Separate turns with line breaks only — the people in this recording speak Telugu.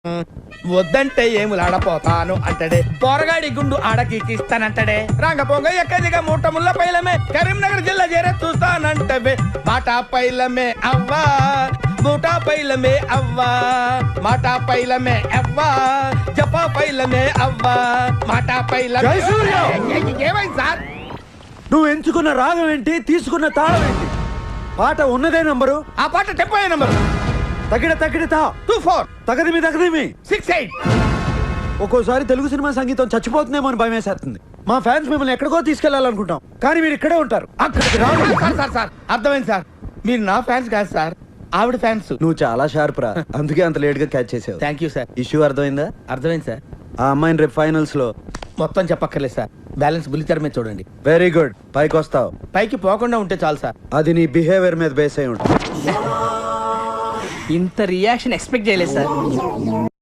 వద్దంటే ఏములాడపోతాను అంటడే పోరగాడి గుండు ఆడకిస్తానంటడే రంగ పొంగ ఎక్కదిగా మూట ముళ్ళ పైలమే కరీంనగర్ జిల్లా చేరే చూస్తానంటవే బాటా పైలమే అవ్వా మూటా పైలమే అవ్వా మాటా పైలమే అవ్వా జపా పైలమే అవ్వా మాటా పైలమే. ఏమైంది సార్?
నువ్వు ఎంచుకున్న రాగం ఏంటి, తీసుకున్న తాళం ఏంటి? పాట ఉన్నదే నంబరు,
ఆ పాట టెంపో నంబరు
తగిడ తగిడతా
24
తగదిమి తగదిమి
68.
ఒక్కోసారి తెలుగు సినిమా సంగీతం చచ్చిపోతుందేమో అని భయం వేసేస్తుంది. మా ఫ్యాన్స్ మిమ్మల్ని ఎక్కడికో తీసుకెళ్లాలనుకుంటాం, కానీ మీరు ఇక్కడే ఉంటారు. అక్కడికి రాదు.
సార్ సార్ సార్ అర్థమైంది సార్, మీరు నా ఫ్యాన్స్ కాదు సార్, ఆవిడ ఫ్యాన్స్.
నువ్వు చాలా షార్ప్ రా, అందుకే అంత లేట్ గా క్యాచ్ చేసావు.
Thank you sir.
ఇష్యూ అర్థమైందా?
అర్థమైంది సార్.
ఆ అమ్మాయిని రేపు ఫైనల్స్ లో
మొత్తం చెప్పక్కర్లేదు సార్, బ్యాలెన్స్ బుల్లితెర మీద చూడండి.
వెరీ గుడ్, పైకి వస్తావు.
పైకి పోకుండా ఉంటే చాలు సార్.
అది నీ బిహేవియర్ మీద బేస్ అయి ఉంటుంది.
ఇంత రియాక్షన్ ఎక్స్పెక్ట్ చేయలేదు సార్.